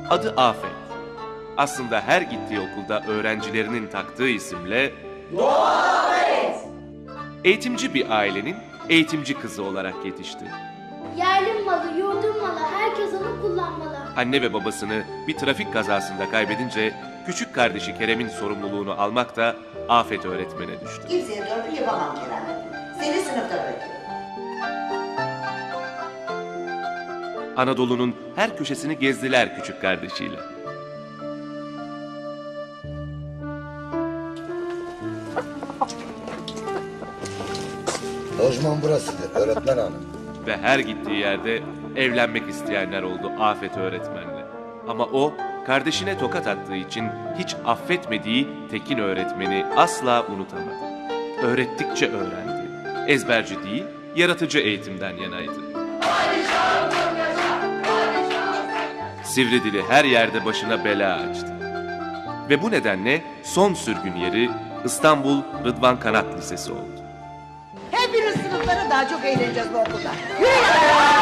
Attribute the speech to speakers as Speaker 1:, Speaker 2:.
Speaker 1: Adı Afet. Aslında her gittiği okulda öğrencilerinin taktığı isimle Afet. Eğitimci bir ailenin eğitimci kızı olarak yetişti.
Speaker 2: Yerlim malı, yurdum malı, herkes onu kullanmalı.
Speaker 1: Anne ve babasını bir trafik kazasında kaybedince küçük kardeşi Kerem'in sorumluluğunu almak da Afet öğretmene düştü.
Speaker 3: Kimseye torpil yapamam Kerem. Seni sınıfta bırakıyorum.
Speaker 1: Anadolu'nun her köşesini gezdiler küçük kardeşiyle.
Speaker 4: Lojman burasıdır öğretmen hanım.
Speaker 1: Ve her gittiği yerde evlenmek isteyenler oldu Afet öğretmenle. Ama o, kardeşine tokat attığı için hiç affetmediği Tekin öğretmeni asla unutamadı. Öğrettikçe öğrendi. Ezberci değil, yaratıcı eğitimden yanaydı. Sivri dili her yerde başına bela açtı. Ve bu nedenle son sürgün yeri İstanbul Rıdvan Kanat Lisesi oldu.
Speaker 3: Hepiniz sınıflara daha çok eğleneceğiz bu okulda. Yürü!